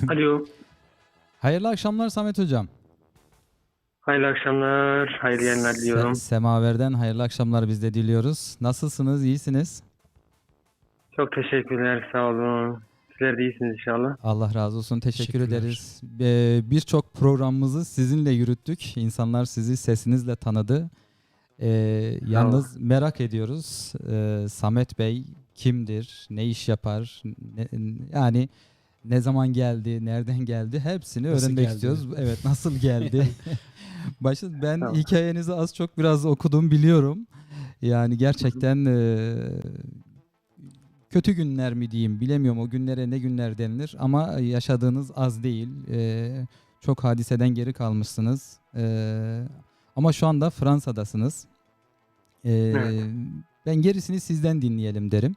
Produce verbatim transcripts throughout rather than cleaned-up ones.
Alo. Hayırlı akşamlar Samet Hocam. Hayırlı akşamlar. Hayırlı yayınlar Se- diliyorum. Semaver'den hayırlı akşamlar biz de diliyoruz. Nasılsınız? İyisiniz? Çok teşekkürler. Sağ olun. Sizler de iyisiniz inşallah. Allah razı olsun. Teşekkür Teşekkürler. ederiz. Ee, Birçok programımızı sizinle yürüttük. İnsanlar sizi sesinizle tanıdı. Ee, yalnız merak ediyoruz. Ee, Samet Bey kimdir? Ne iş yapar? Ne- yani ne zaman geldi? Nereden geldi? Hepsini Nasıl öğrenmek geldi? istiyoruz. Evet, nasıl geldi? Başta ben Tamam. hikayenizi az çok biraz okudum, biliyorum. Yani gerçekten eee, kötü günler mi diyeyim bilemiyorum, o günlere ne günler denilir, ama yaşadığınız az değil. Eee, çok hadiseden geri kalmışsınız. Eee, ama şu anda Fransa'dasınız. Eee, Evet. Ben gerisini sizden dinleyelim derim.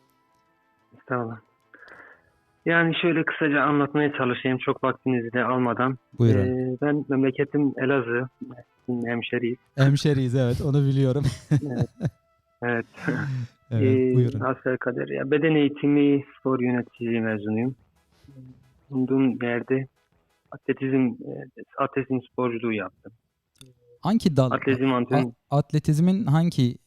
Sağ olun. Yani şöyle kısaca anlatmaya çalışayım çok vaktinizi de almadan. Buyurun. Ee, ben memleketim Elazığ. Mersin hemşeriyiz. Hemşeriyiz, evet, onu biliyorum. Evet. Evet. Evet, Ee, buyurun. hasbelkader. Ya, beden eğitimi spor yöneticiliği mezunuyum. Bulunduğum yerde atletizm, e, atletizm sporculuğu yaptım. Hangi dal? Atletizm antrenörü. A- atletizmin hangi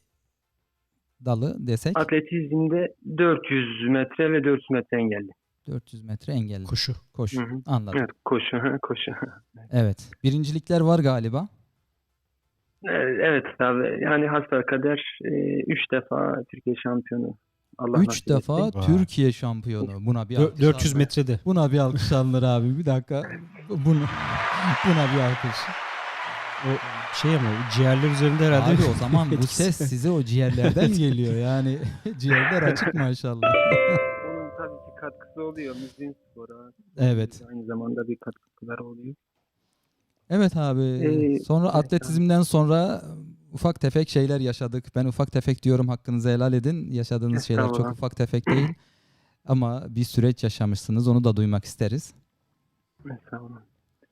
dalı desek? Atletizmde dört yüz metre ve dört yüz metre engelli. dört yüz metre engelli. Koşu. Koşu. Hı hı. Anladım. Evet, koşu, hı, koşu. Evet. Birincilikler var galiba. Ee, Evet abi, yani hasbelkader e, üç defa Türkiye şampiyonu Allah Üç nasip defa etti. Vay. Türkiye şampiyonu. Buna bir Dö- alkış dört yüz alınır. metrede. Buna bir alkış alınır abi. Bir dakika. Bunu, buna bir alkış. O şey ama ciğerler üzerinde herhalde. Abi o zaman bu etkisi. ses size o ciğerlerden geliyor. Yani ciğerler açık maşallah. Onun tabii ki katkısı oluyor müziğin spora. Evet. Aynı zamanda bir katkıları oluyor. Evet abi. Ee, Sonra evet atletizmden sonra ufak tefek şeyler yaşadık. Ben ufak tefek diyorum, hakkınızı helal edin. Yaşadığınız şeyler çok Estağfurullah. ufak tefek değil. Ama bir süreç yaşamışsınız. Onu da duymak isteriz. Estağfurullah.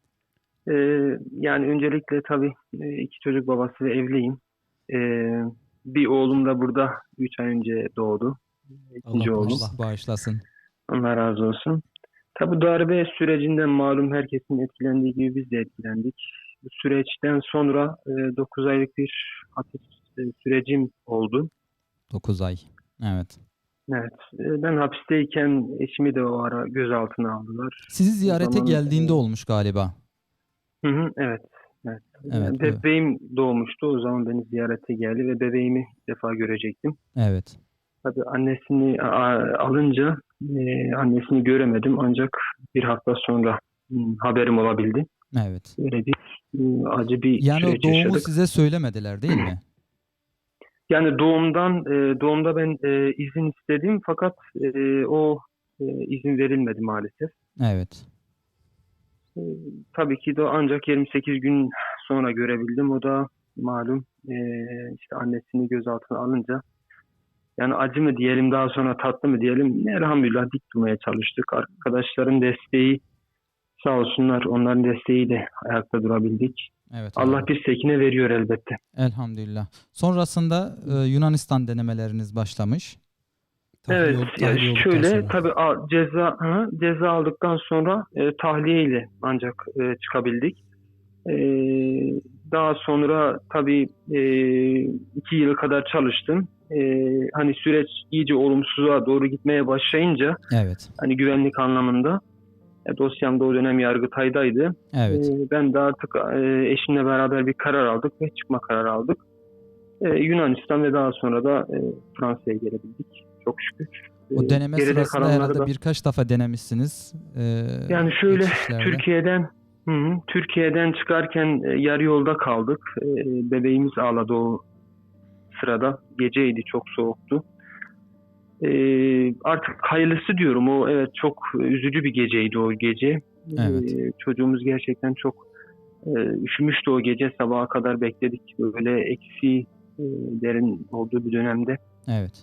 Ee, yani öncelikle tabii e, iki çocuk babası ve evliyim. Ee, bir oğlum da burada üç ay önce doğdu. İkinci Allah oğlum. bağışlasın. Allah bağışlasın. Allah razı olsun. Tabii darbe sürecinden malum herkesin etkilendiği gibi biz de etkilendik. Bu süreçten sonra dokuz aylık bir hapis e, sürecim oldu. dokuz ay. Evet. Evet, e, ben hapisteyken eşimi de o ara gözaltına aldılar. Sizi O ziyarete zaman geldiğinde e, olmuş galiba. hı hı, evet, evet. Evet. Yani Evet. bebeğim doğmuştu. O zaman beni ziyarete geldi ve bebeğimi ilk defa görecektim. Evet. Tabii annesini a- alınca e, annesini göremedim ancak bir hafta sonra hı, haberim olabildi. Evet. Öyle bir e, acı bir Yani o süreç doğumu yaşadık. size söylemediler değil mi? Yani doğumdan e, doğumda ben e, izin istedim fakat e, o e, izin verilmedi maalesef. Evet. E, tabii ki de ancak yirmi sekiz gün sonra görebildim. O da malum e, işte annesini gözaltına alınca. Yani acı mı diyelim, daha sonra tatlı mı diyelim, elhamdülillah dik durmaya çalıştık. Arkadaşların desteği sağ olsunlar, onların desteğiyle ayakta durabildik. Evet Allah abi. bir sekine veriyor elbette. Elhamdülillah. Sonrasında e, Yunanistan denemeleriniz başlamış. Tahliye, Evet, ol- ya tahliye olduktan şöyle sonra. tabii a- ceza hı, ceza aldıktan sonra e, tahliyeyle ancak e, çıkabildik. E, daha sonra tabii e, iki yıl kadar çalıştım. E, hani süreç iyice olumsuza doğru gitmeye başlayınca, Evet. hani güvenlik anlamında, e, dosyam da o dönem Yargıtay'daydı. Evet. E, ben de artık e, eşimle beraber bir karar aldık ve çıkma kararı aldık. E, Yunanistan ve daha sonra da e, Fransa'ya gelebildik. Çok şükür. O E, deneme geride sırasında kalanları herhalde da birkaç defa denemişsiniz. E, yani şöyle geçişlerde. Türkiye'den hı hı, Türkiye'den çıkarken e, yarı yolda kaldık. E, bebeğimiz ağladı o sırada. Geceydi, çok soğuktu. E, artık hayırlısı diyorum. O evet çok üzücü bir geceydi o gece. Evet. E, çocuğumuz gerçekten çok e, üşümüştü o gece. Sabaha kadar bekledik. Böyle eksi e, derin olduğu bir dönemde. Evet.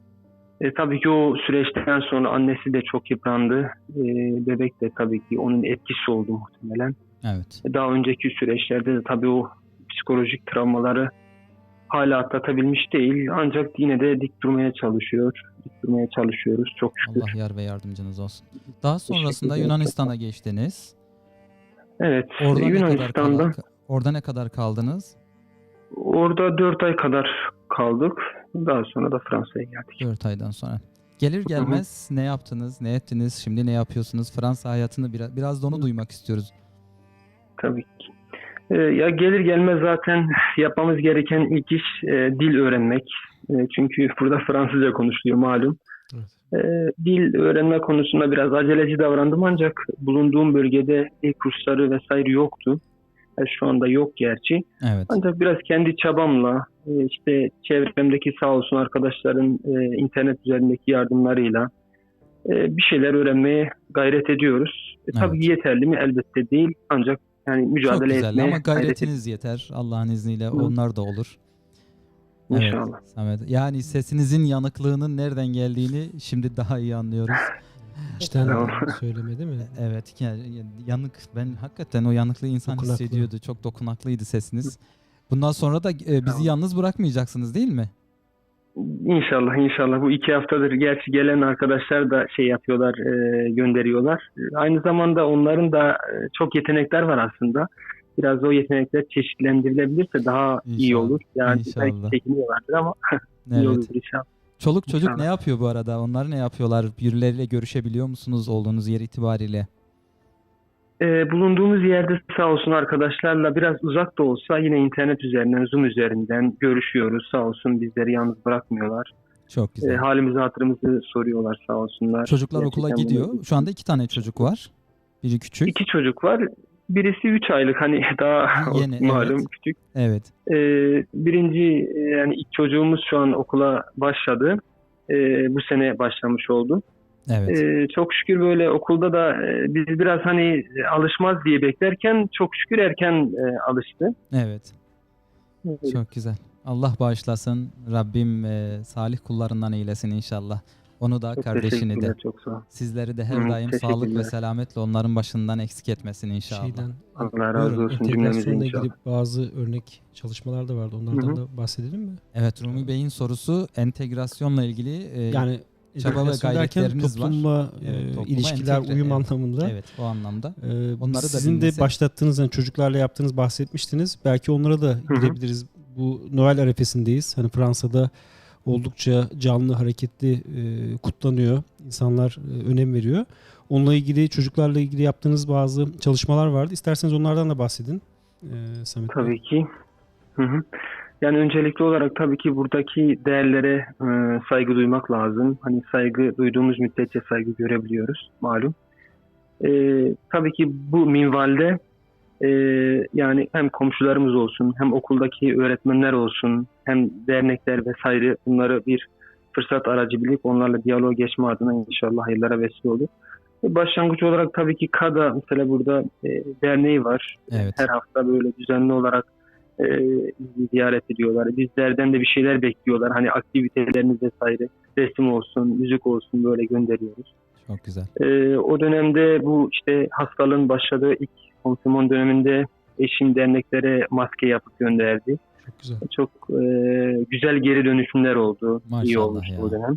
E, tabii ki o süreçten sonra annesi de çok yıprandı. E, bebek de tabii ki onun etkisi oldu muhtemelen. Evet. Daha önceki süreçlerde de tabii o psikolojik travmaları hala atlatabilmiş değil. Ancak yine de dik durmaya çalışıyor. Dik durmaya çalışıyoruz çok şükür. Allah yar ve yardımcınız olsun. Daha sonrasında Teşekkür ederim. Yunanistan'a geçtiniz. Evet, Orada ne kadar Yunanistan'da kala- orada ne kadar kaldınız? orada dört ay kadar kaldık. Daha sonra da Fransa'ya geldik. dört aydan sonra. Gelir gelmez ne yaptınız, ne ettiniz, şimdi ne yapıyorsunuz? Fransa hayatını biraz, biraz da onu duymak istiyoruz. Tabii ki. Ee, ya gelir gelmez zaten yapmamız gereken ilk iş e, dil öğrenmek. E, çünkü burada Fransızca konuşuluyor malum. Evet. E, dil öğrenme konusunda biraz aceleci davrandım ancak bulunduğum bölgede dil kursları vesaire yoktu. E, şu anda yok gerçi. Evet. Ancak biraz kendi çabamla e, işte çevremdeki sağ olsun arkadaşların e, internet üzerindeki yardımlarıyla e, bir şeyler öğrenmeye gayret ediyoruz. E, tabii Evet. yeterli mi? Elbette değil. Ancak yani Çok mücadele güzel etmeye ama gayret ediyoruz. gayretiniz yeter. Allah'ın izniyle onlar da olur. İnşallah. Evet, Samet. Yani sesinizin yanıklığının nereden geldiğini şimdi daha iyi anlıyoruz. İçten Tamam. söyleme değil mi? Evet, yani yanık. Ben hakikaten o yanıklığı insan Dokunaklı. hissediyordu. Çok dokunaklıydı sesiniz. Bundan sonra da e, bizi Tamam. yalnız bırakmayacaksınız değil mi? İnşallah inşallah bu iki haftadır gerçi gelen arkadaşlar da şey yapıyorlar e, gönderiyorlar. E, Aynı zamanda onların da e, çok yetenekler var aslında. Biraz o yetenekler çeşitlendirilebilirse daha iyi İnşallah, olur. Yani inşallah. belki çekiniyorlardır ama iyi Evet. olur inşallah. Çoluk çocuk İnşallah. ne yapıyor bu arada? Onlar ne yapıyorlar? Birileriyle görüşebiliyor musunuz olduğunuz yer itibariyle? E, bulunduğumuz yerde sağ olsun arkadaşlarla biraz uzak da olsa yine internet üzerinden, Zoom üzerinden görüşüyoruz. Sağ olsun bizleri yalnız bırakmıyorlar. Çok E, güzel. halimizi hatırımızı soruyorlar sağ olsunlar. Çocuklar okula Gerçekten gidiyor. bunu- Şu anda iki tane çocuk var. Biri küçük. İki çocuk var. Birisi üç aylık hani daha Yeni, malum evet. küçük. Evet. Ee, birinci e, yani ilk çocuğumuz şu an okula başladı. Ee, bu sene başlamış oldu. Evet. Ee, çok şükür böyle okulda da e, biz biraz hani e, alışmaz diye beklerken çok şükür erken e, alıştı. Evet. Çok güzel. Allah bağışlasın. Rabbim e, salih kullarından eylesin inşallah. Onu da Çok kardeşini de. teşekkürler, çok sağ ol. Sizleri de her Hı, daim sağlık ve teşekkürler. selametle onların başından eksik etmesin inşallah. Şeyden Allah razı Buyurun, olsun cümlemize entegrasyonla inşallah. ilgili bazı örnek çalışmalar da vardı. Onlardan Hı hı. da bahsedelim mi? Evet, Rumi Bey'in sorusu entegrasyonla ilgili. e, Yani çaba ve entegrasyon derken gayretleriniz var. toplumla Evet, e, topluma ilişkiler, entegre, uyum evet. anlamında. Evet, o anlamda. Ee, Onları da sizin de dinlesek. başlattığınız, yani çocuklarla yaptığınız bahsetmiştiniz. Belki onlara da hı. girebiliriz. Bu Noel arifesindeyiz. Hani Fransa'da oldukça canlı, hareketli e, kutlanıyor. İnsanlar e, önem veriyor. Onunla ilgili, çocuklarla ilgili yaptığınız bazı çalışmalar vardı. İsterseniz onlardan da bahsedin. E, Samet Bey. Tabii ki. Hı hı. Yani öncelikli olarak tabii ki buradaki değerlere e, saygı duymak lazım. Hani saygı duyduğumuz müddetçe saygı görebiliyoruz malum. E, tabii ki bu minvalde e, yani hem komşularımız olsun, hem okuldaki öğretmenler olsun, hem dernekler vesaire bunları bir fırsat aracı bilip onlarla diyaloğa geçme adına inşallah hayırlara vesile olur. E, Başlangıç olarak tabii ki KADA mesela burada e, derneği var. Evet. Her hafta böyle düzenli olarak e, bizi ziyaret ediyorlar. Bizlerden de bir şeyler bekliyorlar. Hani aktivitelerimiz vesaire, resim olsun, müzik olsun böyle gönderiyoruz. Çok güzel. E, o dönemde bu işte hastalığın başladığı ilk konfirmasyon döneminde eşim derneklere maske yapıp gönderdi. Çok güzel. Çok e, güzel geri dönüşümler oldu. İyi Maşallah olmuştu ya. o dönem.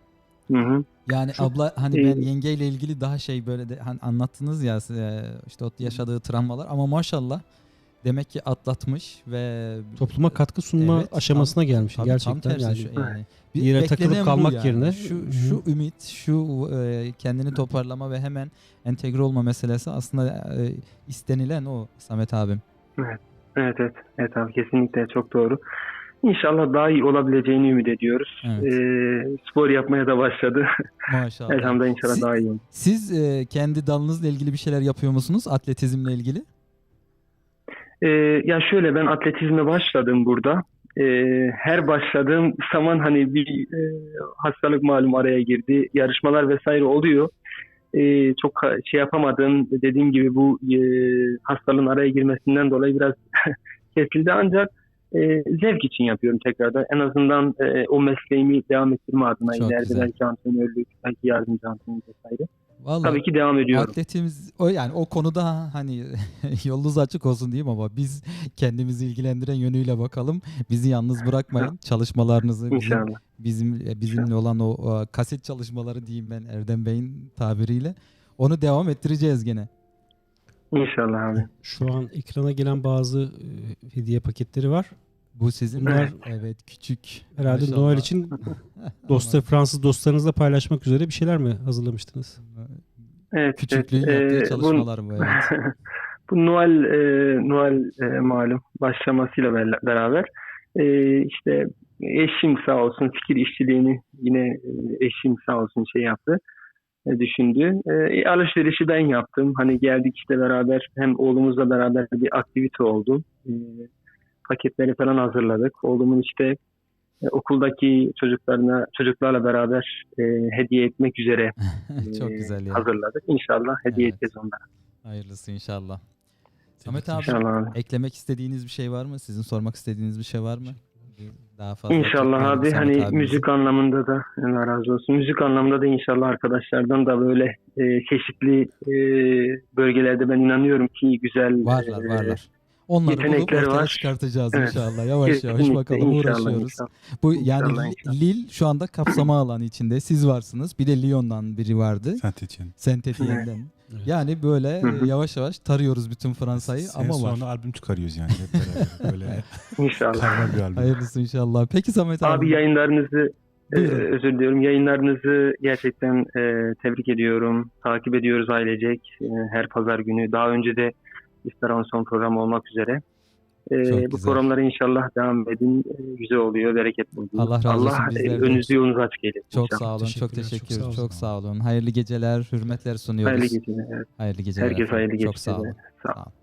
Hı hı. Yani Çok- abla hani e, ben yengeyle ilgili daha şey böyle de hani anlattınız ya e, işte o yaşadığı travmalar ama maşallah demek ki atlatmış ve Topluma katkı sunma Evet, aşamasına gelmiş. tabii Gerçekten tam tersi yani. şu, yani bir yere beklenen takılıp bu kalmak yani. yerine- şu Hı hı. şu ümit, şu e, kendini toparlama ve hemen entegre olma meselesi aslında e, istenilen o Samet abim. Evet, evet, evet abi kesinlikle çok doğru. İnşallah daha iyi olabileceğini ümit ediyoruz. Evet. Ee, spor yapmaya da başladı. Maşallah. Elhamdülillah inşallah Siz- daha iyi olur. Siz e, kendi dalınızla ilgili bir şeyler yapıyor musunuz? Atletizmle ilgili? Ee, ya şöyle ben atletizme başladım burada. Ee, her başladığım zaman hani bir e, hastalık malum araya girdi. Yarışmalar vesaire oluyor. Ee, çok ha- şey yapamadım. Dediğim gibi bu e, hastalığın araya girmesinden dolayı biraz kesildi ancak e, zevk için yapıyorum tekrardan. En azından e, o mesleğimi devam ettirme adına Çok ileride güzel. belki antrenörlük, belki yardımcı antrenör vesaire. Vallahi Tabii ki devam ediyorum. atletimiz o yani o konuda hani yolunuz açık olsun diyeyim ama biz kendimizi ilgilendiren yönüyle bakalım. Bizi yalnız bırakmayın. Çalışmalarınızı bizim İnşallah. bizim bizimle olan o, o kaset çalışmaları diyeyim ben Erdem Bey'in tabiriyle. Onu devam ettireceğiz gene. İnşallah abi. Şu an ekrana gelen bazı e, hediye paketleri var. Bu sizin Bunlar- evet küçük. Herhalde Maşallah. Noel için dostlar, Fransız dostlarınızla paylaşmak üzere bir şeyler mi hazırlamıştınız? Evet, Küçüklüğün evet. yaptığı Ee, çalışmalar bu, evet. Bu Noel e, Noel e, malum başlamasıyla bel- beraber e, işte eşim sağ olsun fikir işçiliğini yine e, eşim sağ olsun şey yaptı, e, düşündü. E, alışverişi ben yaptım. Hani geldik işte beraber hem oğlumuzla beraber bir aktivite oldu. E, paketleri falan hazırladık. Oğlumun işte e, okuldaki çocuklarına çocuklarla beraber e, hediye etmek üzere e, Çok güzel ya. hazırladık. İnşallah hediye Evet. edeceğiz onlara. Hayırlısı inşallah. Samet abi İnşallah abi. eklemek istediğiniz bir şey var mı? Sizin sormak istediğiniz bir şey var mı? Daha fazla İnşallah tutmayalım abi Samet hani abimizi. müzik anlamında da Allah razı olsun. Müzik anlamında da inşallah arkadaşlardan da böyle e, çeşitli e, bölgelerde ben inanıyorum ki güzel Varlar e, varlar. Onları bulup yetenekleri ortaya var. çıkartacağız Evet. inşallah. Yavaş yavaş kesinlikle bakalım inşallah, uğraşıyoruz. inşallah. Bu yani İnşallah, Li- inşallah. Lille şu anda kapsama alanı içinde. Siz varsınız. Bir de Lyon'dan biri vardı. Saint-Étienne. Saint-Étienne'den. Evet. Yani böyle Hı hı. e, yavaş yavaş tarıyoruz bütün Fransa'yı Sene ama sonra var. albüm çıkarıyoruz yani hep beraber. Böyle İnşallah. karma bir albüm. Hayırlısı inşallah. Peki Samet abi. Abi yayınlarınızı e, Buyurun. özür diliyorum. Yayınlarınızı gerçekten e, tebrik ediyorum. Takip ediyoruz ailecek e, her pazar günü. Daha önce de İstaran son programı olmak üzere. E, Çok bu güzel. programlara inşallah devam edin. E, güzel oluyor, bereketli oluyor. Allah razı olsun, Allah e, bizler de. önünüzü yolunuzu açık eylesin. Çok inşallah. sağ olun. Çok Teşekkürler, çok teşekkür sağ olun. Çok sağ olun. Hayırlı geceler, hürmetler sunuyoruz. Hayırlı geceler. Evet. Hayırlı geceler. Herkese efendim. hayırlı Çok sağ geceler. olun. Sağ olun. Sağ olun.